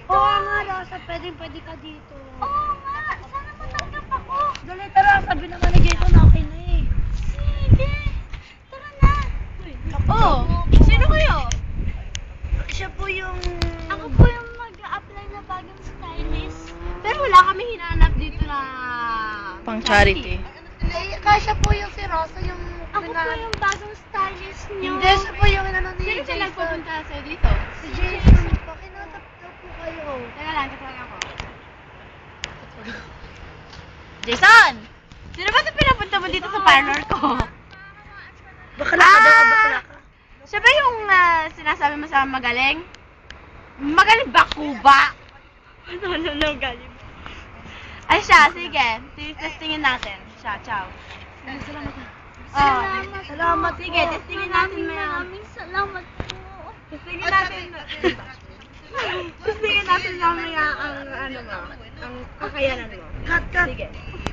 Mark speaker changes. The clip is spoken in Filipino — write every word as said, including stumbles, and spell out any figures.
Speaker 1: Oo nga, Rosa, pwedeng-pwede ka dito.
Speaker 2: Oo nga, sana matanggap ako.
Speaker 1: Dali, tara, sabi naman ni Jason na okay na eh.
Speaker 2: Sige, tara na.
Speaker 3: Oh, sino kayo?
Speaker 1: Siya po yung...
Speaker 2: Ako po yung mag-a-apply na bagong stylist.
Speaker 3: Pero wala kami hinanap dito na
Speaker 4: Pang charity.
Speaker 1: Eh, kasya po yung si Rosa, yung...
Speaker 2: Ako po yung bagong stylist niyo.
Speaker 1: Hindi, siya po yung inano ni
Speaker 3: Sino siya
Speaker 1: Jason.
Speaker 3: nagpupunta sa'yo dito?
Speaker 1: Si Jason po, kinatap daw po kayo.
Speaker 3: Teka lang, tatawag ako. Jason! Sino ba ito pinapunta mo dito sa parlor ko?
Speaker 1: Bakla ka daw, bakla ka.
Speaker 3: Siya ba yung ah, sinasabi mo sa magaling? Magaling ba, Kuba? Ano, ano, ano, galing? Ay siya, sige. Testingin natin. Siya, ciao.
Speaker 1: Salamat.
Speaker 3: Oh,
Speaker 1: Salamat po.
Speaker 3: sige, testingin natin
Speaker 2: Maraming
Speaker 3: mo yan.
Speaker 2: maraming salamat po.
Speaker 3: Testingin natin. Testingin natin mamaya ang ano mo, ang kakayanan mo.
Speaker 1: Cut, cut.
Speaker 3: Sige.